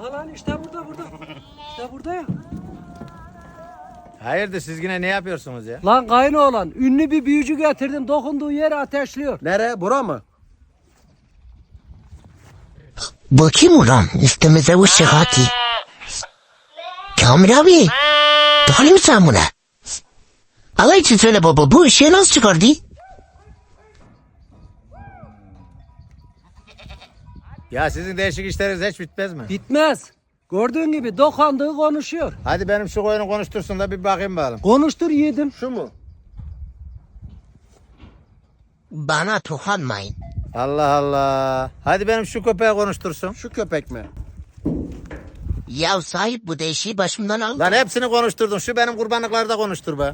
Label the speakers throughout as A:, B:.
A: Aha lan işte burada. İşte burada ya.
B: Hayırdır siz yine ne yapıyorsunuz ya?
A: Lan kayınoğlan ünlü bir büyücü getirdim, dokunduğu yeri ateşliyor.
C: Nere? Bura mı?
D: Bakayım ulan üstümüze bu sıhhati. Kamil abi. Doğru mu sen buna? Allah için söyle baba, bu ışığı nasıl çıkardı?
B: Ya sizin değişik işleriniz hiç bitmez mi?
A: Bitmez. Gördüğün gibi dokandığı konuşuyor.
B: Hadi benim şu koyunu konuştursun da bir bakayım bakalım.
A: Konuştur yiğidim.
C: Şu mu?
D: Bana dokunmayın.
B: Allah Allah. Hadi benim şu köpeği konuştursun.
C: Şu köpek mi?
D: Ya sahip bu değişiği başımdan al.
B: Lan hepsini konuşturdun. Şu benim kurbanlıkları da konuştur be.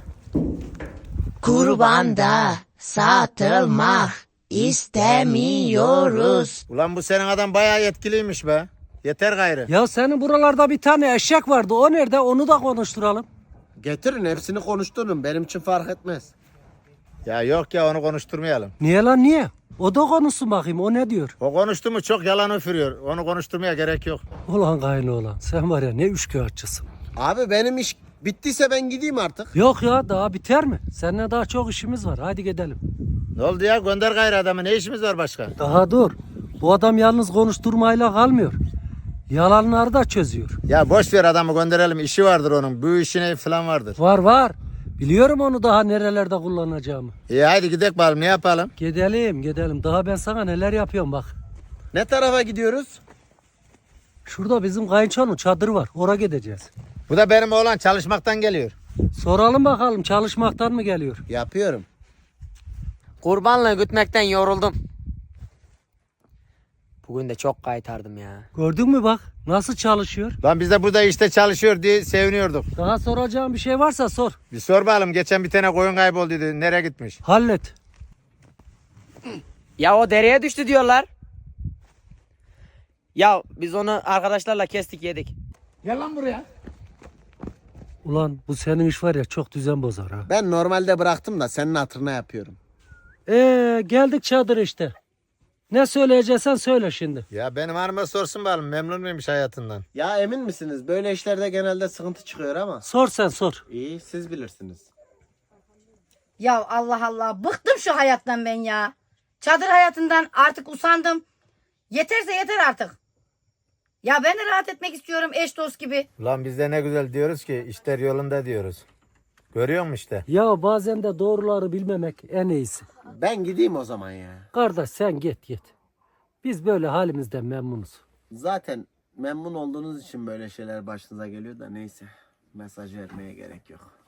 D: Kurbanda satılmak istemiyoruz.
B: Ulan bu senin adam bayağı yetkiliymiş be. Yeter gayrı.
A: Ya senin buralarda bir tane eşek vardı. O nerede? Onu da konuşturalım.
C: Getirin hepsini konuşturun. Benim için fark etmez.
B: Ya yok ya onu konuşturmayalım.
A: Niye lan niye? O da konuşsun bakayım. O ne diyor?
B: O konuştu mu çok yalan üfürüyor. Onu konuşturmaya gerek yok.
A: Ulan kayınoğlan sen var ya ne üçkağıtçısın.
C: Abi benim iş bittiyse ben gideyim artık.
A: Yok ya daha biter mi? Seninle daha çok işimiz var. Hadi gidelim.
B: Ne oldu ya gönder gayrı adamı. Ne işimiz var başka?
A: Daha dur. Bu adam yalnız konuşturmayla kalmıyor. Yalanları da çözüyor.
B: Ya boş ver adamı gönderelim. İşi vardır onun. Bu işine falan vardır.
A: Var. Biliyorum onu daha nerelerde kullanacağımı.
B: İyi hadi gidelim bakalım. Ne yapalım?
A: Gidelim. Daha ben sana neler yapıyorum bak.
C: Ne tarafa gidiyoruz?
A: Şurada bizim kayınçonun çadırı var. Oraya gideceğiz.
B: Bu da benim oğlan çalışmaktan geliyor.
A: Soralım bakalım çalışmaktan mı geliyor?
C: Yapıyorum.
E: Kurbanla gütmekten yoruldum. Bugün de çok kaytardım ya.
A: Gördün mü bak nasıl çalışıyor?
B: Lan biz de burada işte çalışıyor diye seviniyorduk.
A: Daha soracağım bir şey varsa sor.
B: Bir sor bakalım. Geçen bir tane koyun kaybolduydu. Nereye gitmiş?
A: Hallet.
E: Ya o dereye düştü diyorlar. Ya biz onu arkadaşlarla kestik yedik.
A: Ulan bu senin iş var ya çok düzen bozar ha.
C: Ben normalde bıraktım da senin hatırına yapıyorum.
A: Geldik çadır işte. Ne söyleyeceksen söyle şimdi.
B: Ya benim hanıma sorsun bakalım. Memnun muymuş hayatından?
C: Ya emin misiniz? Böyle işlerde genelde sıkıntı çıkıyor ama.
A: Sor sen sor.
C: İyi siz bilirsiniz.
F: Ya Allah Allah bıktım şu hayattan ben ya. Çadır hayatından artık usandım. Yeterse yeter artık. Ya ben de rahat etmek istiyorum eş dost gibi.
B: Ulan biz de ne güzel diyoruz ki işler yolunda diyoruz. Görüyor musun işte?
A: Ya bazen de doğruları bilmemek en iyisi.
C: Ben gideyim o zaman ya.
A: Kardeş sen git. Biz böyle halimizden memnunuz.
C: Zaten memnun olduğunuz için böyle şeyler başınıza geliyor da neyse. Mesaj vermeye gerek yok.